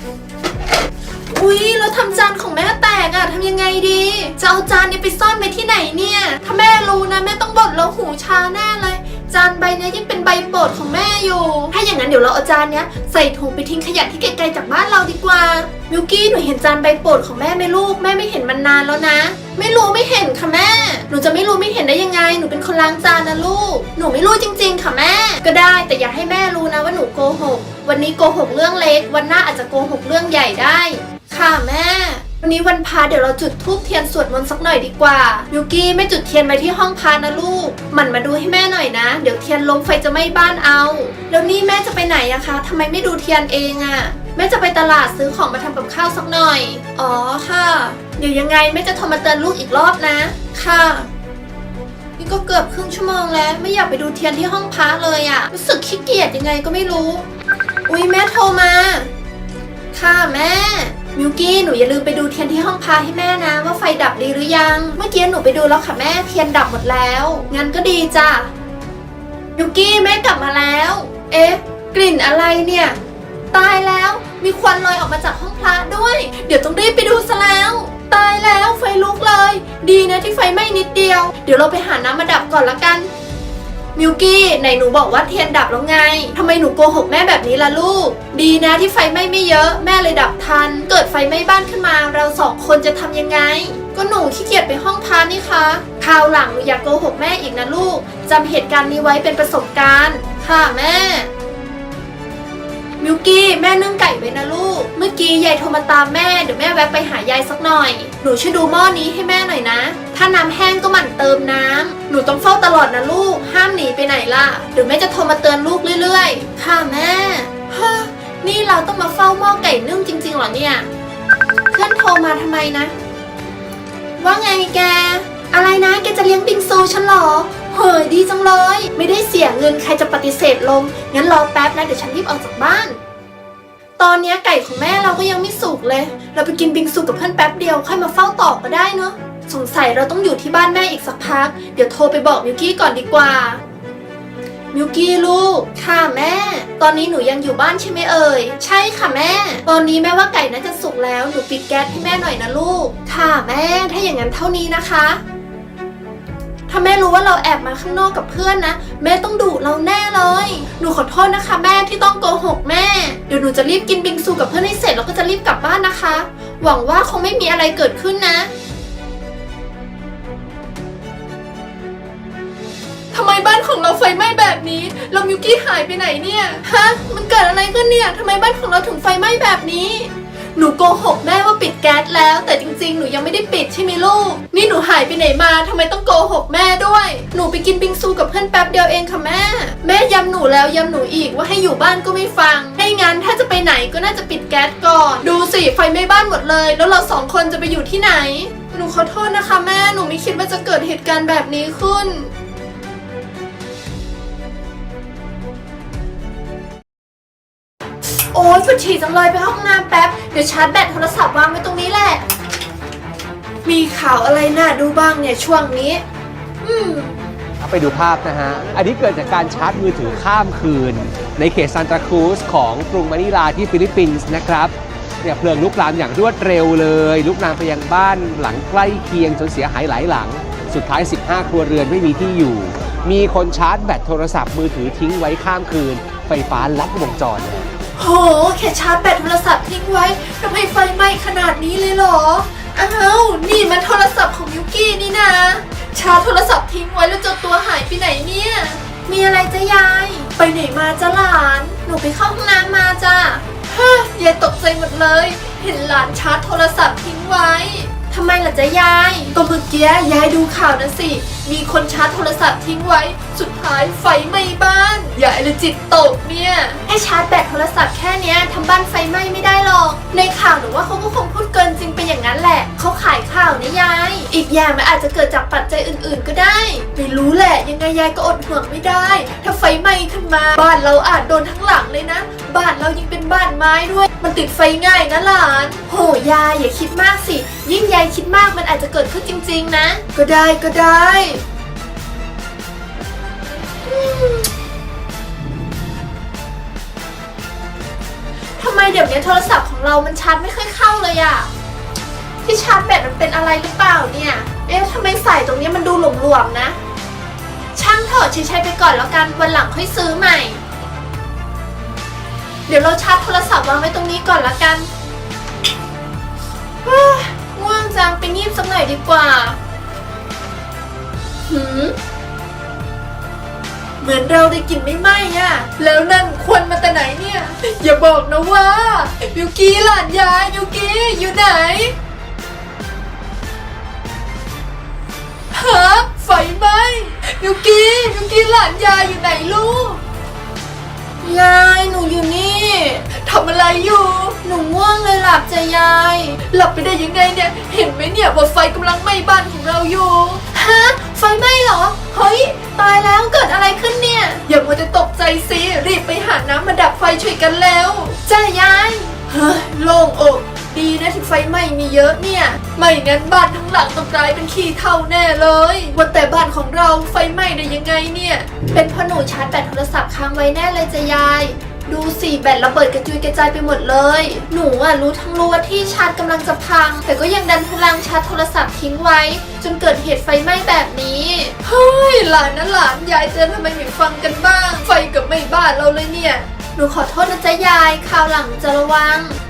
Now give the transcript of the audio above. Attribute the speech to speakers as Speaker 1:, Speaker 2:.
Speaker 1: อุ๊ยเราทำจานของแม่แตกอะทำยังไงดีจะเอาจานนี้ไปซ่อนไว้ที่ไหนเนี่ยถ้าแม่รู้นะแม่ต้องบ่นเราหูชาแน่เลยจานใบนี้ยิ่งเป็นใบโปรดของแม่อยู่ถ้าอย่างนั้นเดี๋ยวเราเอาจานนี้ใส่ถุงไปทิ้งขยะที่ไกลๆจากบ้านเราดีกว่ามิวกี้หนูเห็นจานใบโปรดของแม่ไหมลูกแม่ไม่เห็นมันนานแล้วนะไม่รู้ไม่เห็นค่ะแม่หนูจะไม่รู้ไม่เห็นได้ยังไงหนูเป็นคนล้างจานนะลูกหนูไม่รู้จริงๆค่ะแม่ก็ได้แต่อย่าให้แม่รู้นะว่าหนูโกหกวันนี้โกหกเรื่องเล็กวันหน้าอาจจะโกหกเรื่องใหญ่ได้ค่ะแม่วันนี้วันพระเดี๋ยวเราจุดธูปเทียนสวดมนต์สักหน่อยดีกว่ามิวกี้ไม่จุดเทียนไว้ที่ห้องพระนะลูกหมั่นมาดูให้แม่หน่อยนะเดี๋ยวเทียนล้มไฟจะไหม้บ้านเอาแล้วนี่แม่จะไปไหนอะคะทำไมไม่ดูเทียนเองอะแม่จะไปตลาดซื้อของมาทำกับข้าวสักหน่อยอ๋อค่ะเดี๋ยวยังไงแม่จะโทรมาเตือนลูกอีกรอบนะค่ะนี่ก็เกือบครึ่งชั่วโมงแล้วไม่อยากไปดูเทียนที่ห้องพระเลยอะรู้สึกขี้เกียจยังไงก็ไม่รู้อุ๊ยแม่โทรมาค่ะแม่มิวกี้หนูอย่าลืมไปดูเทียนที่ห้องพระให้แม่นะว่าไฟดับดีหรือยังเมื่อกี้หนูไปดูแล้วค่ะแม่เทียนดับหมดแล้วงั้นก็ดีจ้ะมิวกี้แม่กลับมาแล้วเอ๊ะกลิ่นอะไรเนี่ยตายแล้วมีควันลอยออกมาจากห้องพระด้วยเดี๋ยวต้องรีบไปดูซะแล้วตายแล้วไฟลุกเลยดีนะที่ไฟไหม้นิดเดียวเดี๋ยวเราไปหาน้ำมาดับก่อนละกันมิวกี้ไหนหนูบอกว่าเทียนดับแล้วไงทำไมหนูโกหกแม่แบบนี้ล่ะลูกดีนะที่ไฟไหม้ไม่เยอะแม่เลยดับทันเกิดไฟไหม้บ้านขึ้นมาเราสองคนจะทำยังไงก็หนูขี้เกียจไปห้องพระนี่คะคราวหลังหนูอย่าโกหกแม่อีกนะลูกจำเหตุการณ์นี้ไว้เป็นประสบการณ์ค่ะแม่มิวกี้แม่นึ่งไก่ไว้นะลูกเมื่อกี้ยายโทรมาตามแม่เดี๋ยวแม่แวะไปหายายสักหน่อยหนูช่วยดูหม้อนี้ให้แม่หน่อยนะถ้าน้ำแห้งก็หมั่นเติมน้ำหนูต้องเฝ้าตลอดนะลูกห้ามหนีไปไหนล่ะเดี๋ยวแม่จะโทรมาเตือนลูกเรื่อยๆค่ะแม่ฮะนี่เราต้องมาเฝ้าหม้อไก่นึ่งจริงๆเหรอเนี่ยเพื่อนโทรมาทำไมนะว่าไงแกอะไรนะแกจะเลี้ยงบิงซูฉันเหรอเฮ้ยดีจังเลยไม่ได้เสียเงินใครจะปฏิเสธลงงั้นรอแป๊บนะเดี๋ยวฉันรีบออกจากบ้านตอนนี้ไก่ของแม่เราก็ยังไม่สุกเลยเราไปกินบิงซูกับเพื่อนแป๊บเดียวค่อยมาเฝ้าต่อก็ได้เนอะสงสัยเราต้องอยู่ที่บ้านแม่อีกสักพักเดี๋ยวโทรไปบอกมิวกี้ก่อนดีกว่ามิวกี้ลูกค่ะแม่ตอนนี้หนูยังอยู่บ้านใช่ไหมเอ่ยใช่ค่ะแม่ตอนนี้แม่ว่าไก่น่าจะสุกแล้วหนูปิดแก๊สให้แม่หน่อยนะลูกค่ะแม่ถ้าอย่างนั้นเท่านี้นะคะถ้าแม่รู้ว่าเราแอบมาข้างนอกกับเพื่อนนะแม่ต้องดุเราแน่เลยหนูขอโทษนะคะแม่ที่ต้องโกหกแม่เดี๋ยวหนูจะรีบกินบิงซูกับเพื่อนให้เสร็จแล้วก็จะรีบกลับบ้านนะคะหวังว่าคงไม่มีอะไรเกิดขึ้นนะทำไมบ้านของเราไฟไหม้แบบนี้แล้วมิวกี้หายไปไหนเนี่ยฮะมันเกิดอะไรขึ้นเนี่ยทำไมบ้านของเราถึงไฟไหม้แบบนี้หนูโกหกแม่ว่าปิดแก๊สแล้วแต่จริงๆหนูยังไม่ได้ปิดใช่ไหมลูกนี่หนูหายไปไหนมาทำไมต้องโกหกแม่ด้วยหนูไปกินบิงซูกับเพื่อนแป๊บเดียวเองค่ะแม่ย้ำหนูแล้วย้ำหนูอีกว่าให้อยู่บ้านก็ไม่ฟังให้งั้นถ้าจะไปไหนก็น่าจะปิดแก๊สก่อนดูสิไฟไหม้บ้านหมดเลยแล้วเราสองคนจะไปอยู่ที่ไหนหนูขอโทษนะคะแม่หนูไม่คิดว่าจะเกิดเหตุการณ์แบบนี้ขึ้นโอ๊ยปวดฉี่จังเลยไปห้องน้ำแป๊บเดี๋ยวชาร์จแบตโทรศัพท์วางไว้ตรงนี้แหละมีข่าวอะไรน่าดูบ้างเนี่ยช่วงนี้
Speaker 2: ไปดูภาพนะฮะอันนี้เกิดจากการชาร์จมือถือข้ามคืนในเขตซานตาครูซของกรุงมะนิลาที่ฟิลิปปินส์นะครับเนี่ยเพลิงลุกลามอย่างรวดเร็วเลยลุกลามไปยังบ้านหลังใกล้เคียงจนเสียหายหลายหลังสุดท้าย15ครัวเรือนไม่มีที่อยู่มีคนชาร์จแบตโทรศัพท์มือถือทิ้งไว้ข้ามคืนไฟฟ้าลัดวงจรเลย
Speaker 1: โหแค่ชาร์จแบตโทรศัพท์ทิ้งไว้ทำไมไฟไหม้ขนาดนี้เลยเหรออ้าวนี่มันโทรศัพท์ของมิวกี้นี่นะชาร์จโทรศัพท์ทิ้งไว้แล้วเจ้าตัวหายไปไหนเนี่ยมีอะไรจ๊ะยายไปไหนมาจ๊ะหลานหนูไปเข้าห้องน้ำมาจ้ะฮ่ายายตกใจหมดเลยเห็นหลานชาร์จโทรศัพท์ทิ้งไว้ทำไมล่ะจ๊ะยายก็เมื่อกี้ยายดูข่าวนะสิมีคนชาร์จโทรศัพท์ทิ้งไว้สุดท้ายไฟไหม้บ้านยายเลยจิตตกเนี่ยให้ชาร์จแบตโทรศัพท์แค่เนี้ยทำบ้านไฟไหม้ไม่ได้หรอกในข่าวหนูว่าเขาก็คงพูดเกินจริงไปอย่างนั้นแหละเขาขายข่าวนะยายอีกอย่างมันอาจจะเกิดจากปัจจัยอื่นๆก็ได้ไม่รู้แหละยังไงยายก็อดห่วงไม่ได้ถ้าไฟไหม้ขึ้นมาบ้านเราอาจโดนทั้งหลังเลยนะบ้านเรายังเป็นบ้านไม้ด้วยมันติดไฟง่ายนะหลานโหยายอย่าคิดมากสิยิ่งยายคิดมากมันอาจจะเกิดขึ้นจริงๆนะก็ได้ทำไมเดี๋ยวนี้โทรศัพท์ของเรามันชาร์จไม่ค่อยเข้าเลยอะที่ชาร์จแบตมันเป็นอะไรหรือเปล่าเนี่ยทำไมสายตรงนี้มันดูหลวมๆนะช่างเถอะใช้ไปก่อนแล้วกันวันหลังค่อยซื้อใหม่เดี๋ยวเราชาร์จโทรศัพท์วางไว้ตรงนี้ก่อนละกันง่วงจังไปงีบสักหน่อยดีกว่าเหมือนเราได้กลิ่นไม่ไหม้อะแล้วนั่นควันมาแต่ไหนเนี่ย อย่าบอกนะว่ามิวกี้หลานยายมิวกี้อยู่ไหนฮะไฟไหม้มิวกี้หลานยายอยู่ไหนลูกยายหนูอยู่นี่ทำอะไรอยู่หนูง่วงเลยหลับจะยายหลับไปได้ยังไงเนี่ยเห็นไหมเนี่ยว่าไฟกำลังไหม้บ้านของเราอยู่ฮะไฟไหม้เหรอเฮ้ยตายแล้วเกิดอะไรขึ้นเนี่ยอย่ามัวแต่ตกใจสิรีบไปหาน้ำมาดับไฟช่วยกันแล้วจ้ายายเฮ้ยโล่งอกดีนะที่ไฟไหม้มีเยอะเนี่ยไม่งั้นบ้านทั้งหลังต้องกลายเป็นขี้เถ้าแน่เลยว่าแต่บ้านของเราไฟไหม้ได้ยังไงเนี่ยเป็นเพราะหนูชาร์จแบตโทรศัพท์ค้างไว้แน่เลยจ้ะยายดูสิแบตระเบิดกระจุยกระจายไปหมดเลยหนูรู้ทั้งรู้ว่าที่ชาร์จกำลังจะพังแต่ก็ยังดันพลังชาร์จโทรศัพท์ทิ้งไว้จนเกิดเหตุไฟไหม้แบบนี้เฮ้ยหลานนะหลานยายเตือนทำไมไม่ฟังกันบ้างไฟกับไม่บ้านเราเลยเนี่ยหนูขอโทษนะจ๊ะยายคราวหลังจะระวัง